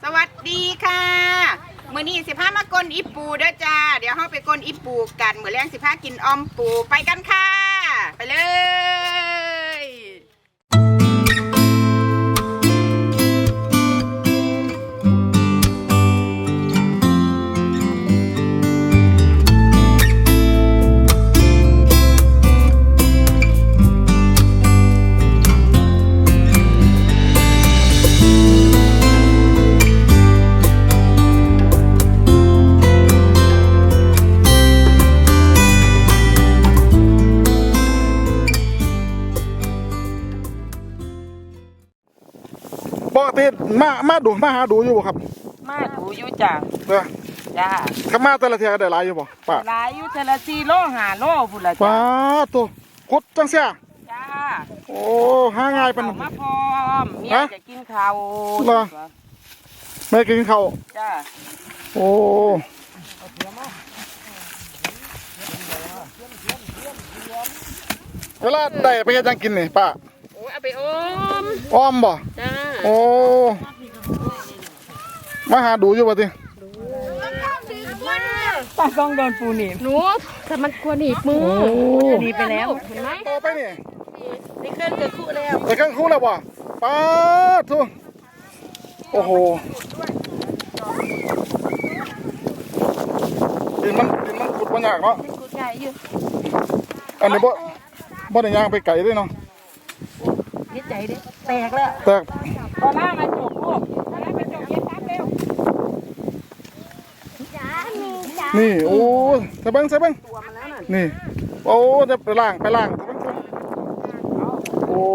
วัสดีค่ะมื้อนี้สิพามากลอีปูเด้อจ้าเดี๋ยวเฮาไปกลอีปูกันมื้อแรงสิพากินออมปูไปกันค่ะไปเลยปกติมาหาดูอยู่บ่ครับมาดูอยู่จ้ะจ้าข้ามาแต่ละเที่ยได้หลายอยู่บ่ป้าหลายอยู่แต่ละ4 โล 5 โลพุ่นละจ้ะป้าตัวกดจังเสียจ้าโอ้หาง่ายปานนั้นมาพร้อมเมียจะกินข้าวไม่กินข้าวจ้าโอ้เวลาได้ไปจังกินนี่ป้าโอ้เอาไปอ้อมบ่จ้าโอ้มาหาดูอยู่บ่ติป้าต้องโดนปูหนีบหนูแต่มันควรหนีบมือหนีบไปแล้วเห็นไหมต่อไปนี่ในเครื่องเกิดคู่แล้วในเครื่องคู่แล้วบ่ป้าทุโอ้โหดินมันขุดบ่ยากเนาะขุดใหญ่อยู่อันนี้บ่ได้ย่างไปไกลด้วยเนาะนิดใจดิแตกแล้วแตกตอนหน้ามาจบลูกตอนหน้ามาจบเย็นครับเร็วนี่โอ้ใส่เบิ้งนี่โอ้จะไปล่างโอ้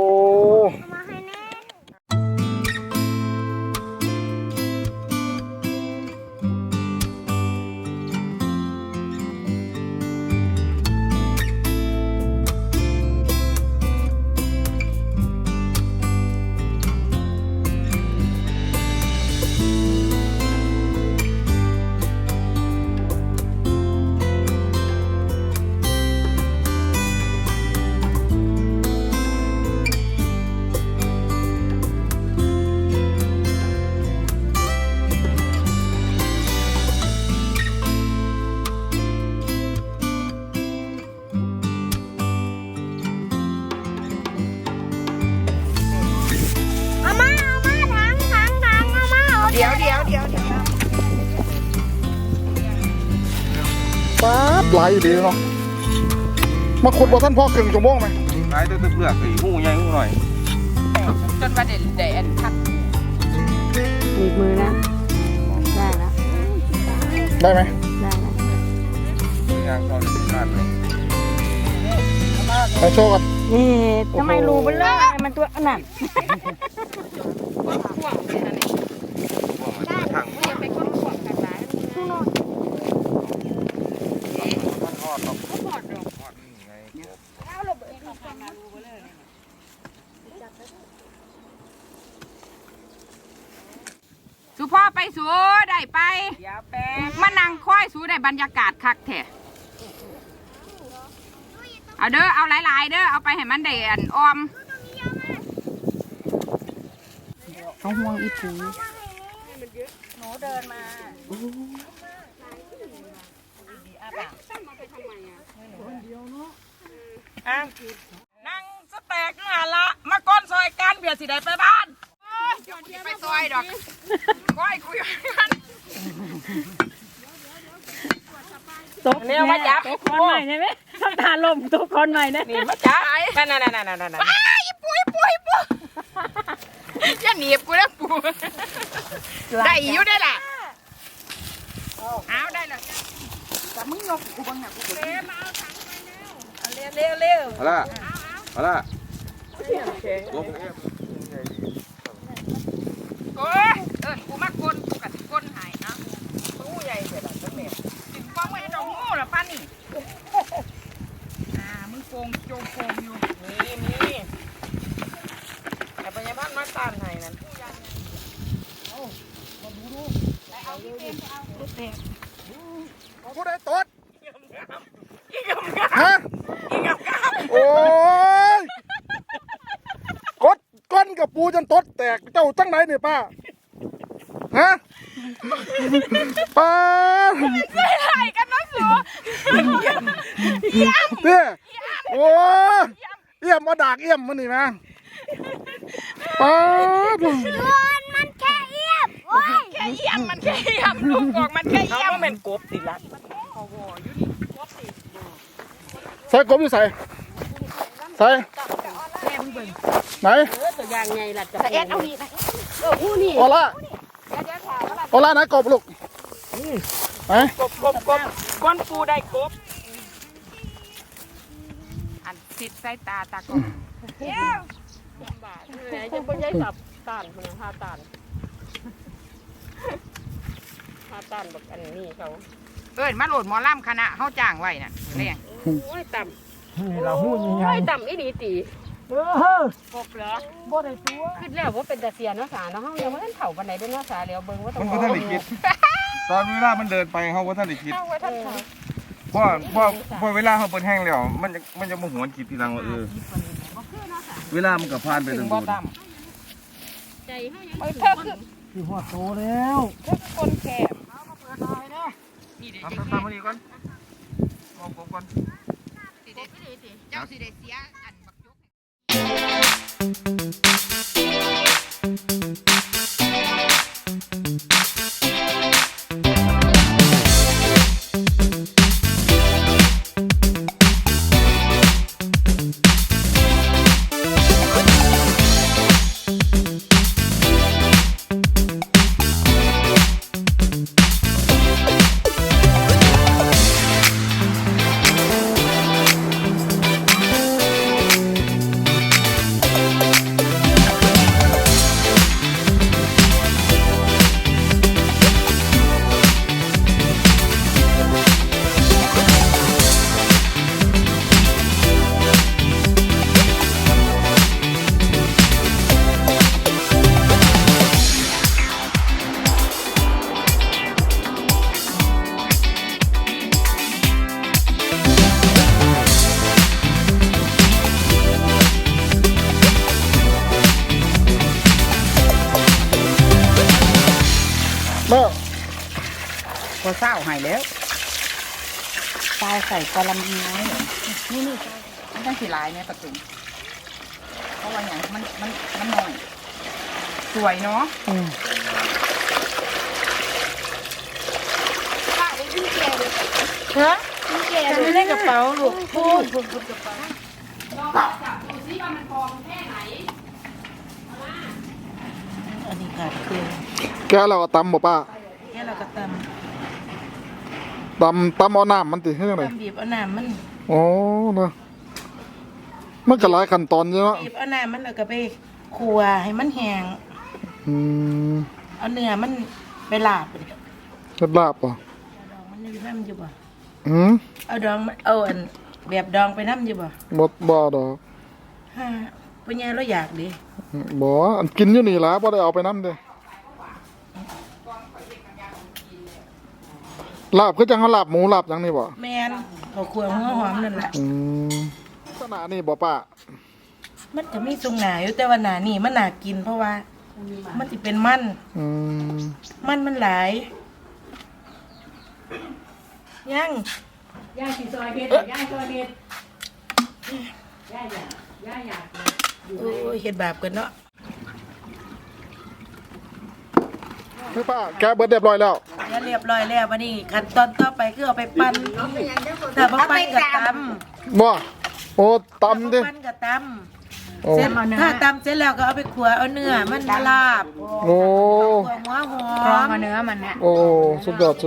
เดี๋ยวป๊าบไหลดีเนาะมาขุดบ่ท่านพ่อครึ่งชั่วโมงไหมไหลตัวเปลือกอีหูใหญ่หูหน่อยจนประเด็นแดนทัดหนีบมือนะได้แล้วได้ไหมได้แล้วยางตอนนี้ขาดเลยไปโชว์กันนี่ทำไมรูเบลเลอร์มันตัวอันนั้นพ่วงเลยนะนี่ถังอย่าไปก้นพ่วงกันหลายทอดหรอกทอดดอกไงเอาลงไปเข้าไปมารูเบลเลอร์สุพ่อไปสูได้ไปมานั่งค่อยสูได้บรรยากาศคักแท้เอาเด้อเอาหลายๆเด้อเอาไปให้มันได้ออมเขาห่วงอีปูหนูเดินมานั่งสแต็กน่ะละมาก้อนซอยกันเบียดสิได้ไปบ้านไปซอยดอกก้อยคุยกันตกเนี่ยมาจับทุกคนใหม่ใช่ไหมต้องทานลมทุกคนใหม่นะนี่มาจับนั่นอีปูอย่าหนีบกูนะปูได้อยู่ได้ล่ะเอาได้เลยแต่มึงยกกูบังหนักกูเร็วมาเอาถังไปเร็วเอาละโอ้ยกูมากลกูกับก้นหายนะตู้ใหญ่เสร็จแล้วเนี่ยถึงกองไว้ดอกงูหรอป้านี่มึงโกงโจงโกงอยู่นี่แต่ปัญญาพันธ์มาตานไห้นั่นเอาพี่เต็มเอาลูกเต็มผู้ใดตดฮะโอ้ยก้นกับปูจนตดแตกเจ้าจังไหนเนี่ยป้าฮะป้าไม่ไหลกันน้องสูเนี่ยโอ้เอี่ยมมาดากเอี่ยมมันนี่นะป้ามันแค่เอียบโอ้ยแค่เยี่ยมมันแค่เยี่ยมลูกบอกมันแค่เขาเยี่ยมว่าเป็นกบติละใส่กบอยู่ใส่ใส่ไหนตัวอย่างไงล่ะจะแต่เอ็ดเอานี่นะโอล่าโอล่าไหนกบลูกไหนกบก้อนปูได้กบอันติดใส่ตาตากบบาทไหนจะบ่ย้ายสับตานคนหาตานแบบอันนี้เขาเอิ้นมาโหลดหมอลำคณะเฮาจ้างไว้น่ะเรียงโอ้ยต่ำเราหู้ยังไงโอ้ยต่ำอีหลีตีเออกบเหรอบ่ได้ตัวขึ้นแล้วว่าเป็นตาเสียเนาะสาเนาะเฮายังบ่ทันเฒ่าปานใดเด้อเนาะสาแล้วเบิ่งว่าต้อมังนก็ท่านได้คิด ตอนเวลามันเดินไปเขาก็ท่านได้คิดเฮาว่าท่านเฒ่าเพราะเวลาเขาเปิดแห้งแล้วมันจะมาหวนคิดทีหลังว่าเวลามันก็ผ่านไปถึถึงงบ่บุญต่ใจเฮายังำเธอคือคือหัวโตแล้วคนแคบทำมาดีก่อนมองก่อนเจ้าสิได้เสียอันบักยกแล้วพอเศร้าหายแล้วตายใส่กะลำยีน้อยนี่มันต้องสีลายเนี่ยประตูเพราะว่าอย่างมันน้อยสวยเนาะฮะจะไม่ได้กระเป๋าลูกพูดอันนี้ขาดเครื่องแกเราก็ตำบ่ป้าแค่เราก็ตตำเอาน้ำมันติให้ยังไงำบีบเอาน้ำมันอ๋อนะมันก็หลายขั้นตอนเยอะบีบเอาน้ำมันแล้วก็ไปคั่วให้มันแห้งอืมเอาเนื้อมันไปลาบเลยเฮ็ดลาบป่ะดองมันอยู่น้ำอยู่บ่อืมเอาดองเอาอันแบบดองไปน้ำอยู่บ่บ่ดอกฮะปัญญาเราอยากดิบ่อันกินอยู่นี่ล่ะบ่ได้เอาไปนำเด้ลาบคือจังเฮาลาบหมูลาบจังนี่บ่แมนเขาคั่วหัวหอมนั่นแหละอืมลักษณะนี่บ่ป้ามันจะมีทรงหนาอยู่แต่ว่าหนานี่มันหนากินเพราะว่า มันจะเป็นมันอืมมันหลายยังย่าสิซอยเฮ็ดย่าซอยเฮ็ดย่าอยากโอ้ยเฮ็ดบาปกันเนาะคือป้าแกะเบิดเรียบร้อยแล้วแล้วเรียบร้อยแล้ววันนี้ขั้นตอนต่อไปคือเอาไปปั้นถ้าบ่ปั้นก็ตำบ่โอ้ตำถ้าดิบ่ปั้นก็ตโอ้ำเสร็จถ้าตำเสร็จแล้วก็เอาไปขัวเอาเนื้อมันมาลาบโอ้ขัวหัวหพร้ออมมมาเนื้อมันเนี่ยโอ้สุดยอด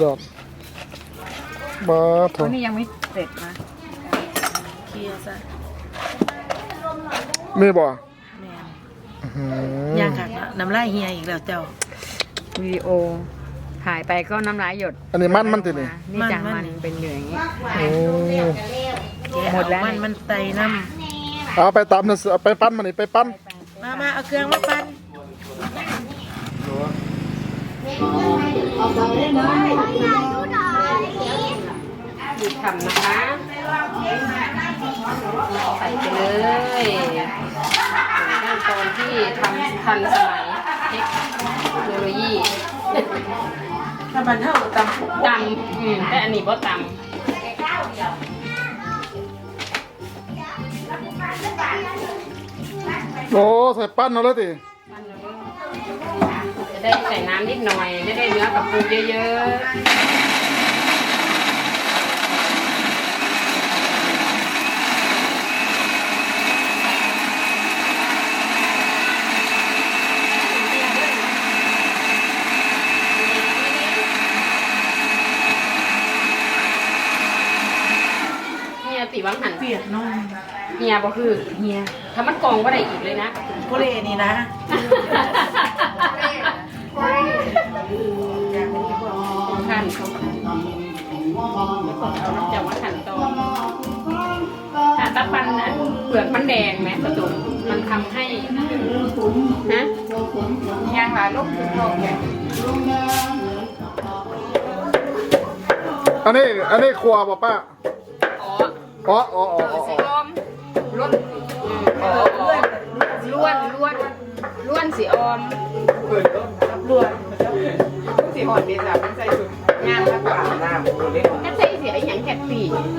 มาเถตัวอะนี้ยังไม่เสร็จนะเคลียร์ซะมีบ่แม่นอื้อหือย่างคักแล้วน้ำลายเฮียอีกแล้วเจ้าวิดีโอถ่ายไปก็น้ำลายหยดอันนี้มันตินี่นี่จังมันเป็นอยู่อย่างนี้โอ้หมดแล้วมันไตน้เอาไปตำนะเอาไปปั้นมันนี่ไปปั้นำมาเอาเครื่องมาปั้นทำนะคะใส่ไปเลยขั้นตอนที่ทำทันสมัยเทคโนโลยีถ้ามันเท่าตำตำแต่อันนี้บ่ตโอ้ใส่ปั้นเอาแล้วติำจะได้ใส่น้ำนิดหน่อยจะได้เนื้อกับปูเยอะๆเนี่ยติวังหันเปียกน้องเฮียบ่คือเฮียถ้ามันกองก็ได้อีกเลยนะโคเลนี่นะขั้นเขาเอาน้ำจากว่าขั้นตอนถ้าตะปันน่ะเปลือกมันแดงไหมประตูมันทำให้ฮะย่างหลายลูกถึงโลกเนี่ยอันนี้ครัวป่ะป้าอ๋ออ๋อสีอมล้วนล้วนสีออมสีหอดดีจ้ะมันใส่สุดงามมากกว่าหน้าหมูเล็กแค่ใส่เสียอย่างแคบปี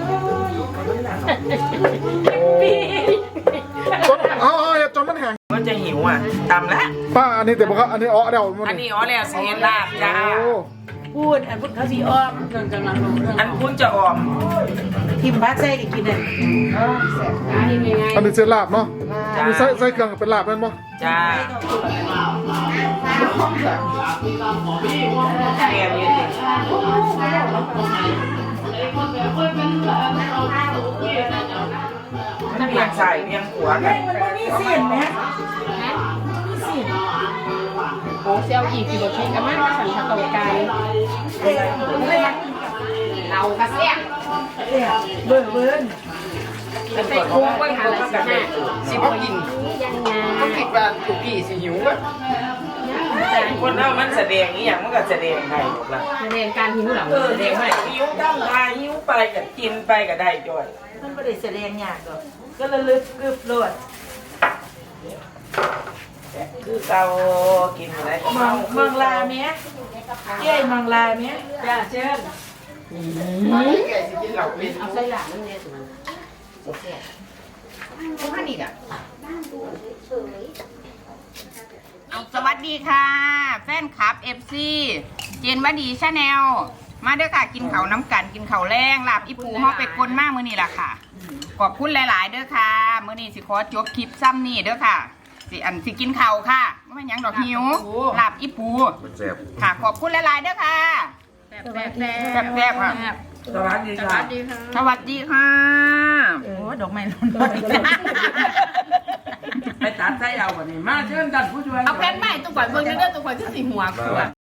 จนจนมันแห้งมันจะหิวอ่ะตำแล้วป้าอันนี้แต่บอกว่าอันนี้อ๋อเดี๋ยวมันอันนี้อ๋อแล้วเสียลาบจ้าโอ้พูดอันพูดเขาสีอ้อมอันพูดจะอ้อมทิมพักใส่กันกินเลยยังไงอันนี้เสียลาบเนาะอันนี้ใส่เครื่องเป็นลาบเป็นป่ะจ้าแกงเย็นถ้าเพียงใส่เพียงหัวกันมีเสียนไหมโอ้เซลอีกกี่บทเพลงกันมากสันทะโตการเรากระเซียเบิ่งเบิ่งใส่กุ้งไว้หาอะไรสิสิบ่กินยังไงต้องคิดว่าถูกกี่สิหิวอ่ะคนเรามันแสดงนี้อย่างมันก็แสดงได้หมดละแสดงการหิวหลังแสดงไม่หิวตั้งทายหิวไปกับกินไปก็ได้จ้อยมันไม่ได้แสดงยากหรอกก็ระลึกกึบโลดคือเรากินอะไรมังลาเมียเย้มังลาเมียจ้าเชิญแกสิกินเหล่าเป็นเอาใส่หลังนั่นเนี่ยทุกท่านอีกอ่ะสวัสดีค่ะ แฟนคลับ FC เจนวดีชาแนลมาเด้อค่ะกินเขาวน้ำกันกินเขาวแรงลาบอีปูห่อเป็ดกลมากมื้อนี้ล่ะค่ะขอบคุณหลายๆเด้อค่ะมื้อนี้สิขอจบคลิปซ้ำนี่เด้อค่ะสิกินเขาวค่ะไม่หยังดอกหิวลาบอีปูมันแซ่บค่ะขอบคุณหลายๆเด้อค่ะแซ่บๆค่ะสวัสดีค่ะสวัสดีค่ะโอ้ดอกไม้ร้อนไปตัดใส่เอาวันนี้มาเชิญกันผู้ช่วยเอาแผ่นใหม่ตัวก่อนเบิ่งเด้อตัวก่อนจะสีหัวขวด